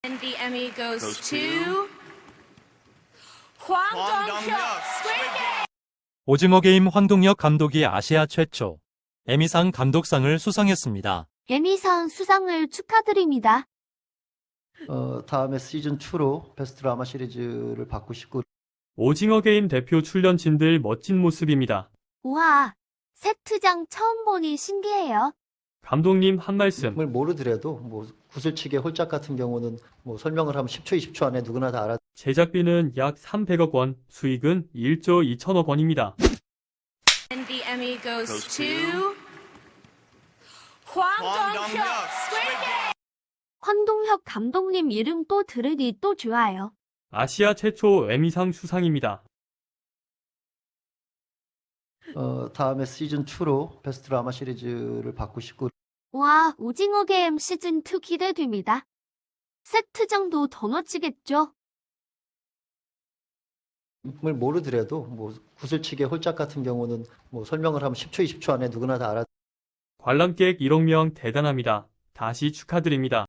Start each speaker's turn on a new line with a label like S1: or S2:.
S1: And the Emmy goes to Hwang Dong-hyuk, Squid Game.
S2: 오징어 게임 황동혁 감독이 아시아 최초 에미상 감독상을 수상했습니다.
S3: 에미상 수상을 축하드립니다.
S4: 다음에 시즌2로 베스트 드라마 시리즈를 받고 싶고
S5: 오징어 게임 대표 출연진들 멋진 모습입니다.
S3: 우와, 세트장 처음 보니 신기해요.
S5: 감독님 한 말씀.
S4: 을 모르더라도 구슬치기 홀짝 같은 경우는 설명을 하면 10초, 20초 안에 누구나 다 알아.
S5: 제작비는 약 300억 원, 수익은 1조 2천억 원입니다.
S1: And the Emmy goes to Hwang Dong-hyuk, Squid Game.
S3: 황동혁 감독님 이름 또 들으니 또 좋아요.
S5: 아시아 최초 에미상 수상입니다.
S4: 다음에 시즌2로 베스트 드라마 시리즈를 받고 싶고
S3: 와, 오징어 게임 시즌2 기대됩니다. 세트장도 더 멋지겠죠?
S4: 을 모르더라도 구슬치기 홀짝 같은 경우는 설명을 하면 10초, 20초 안에 누구나 다 알아.
S5: 관람객 1억 명 대단합니다. 다시 축하드립니다.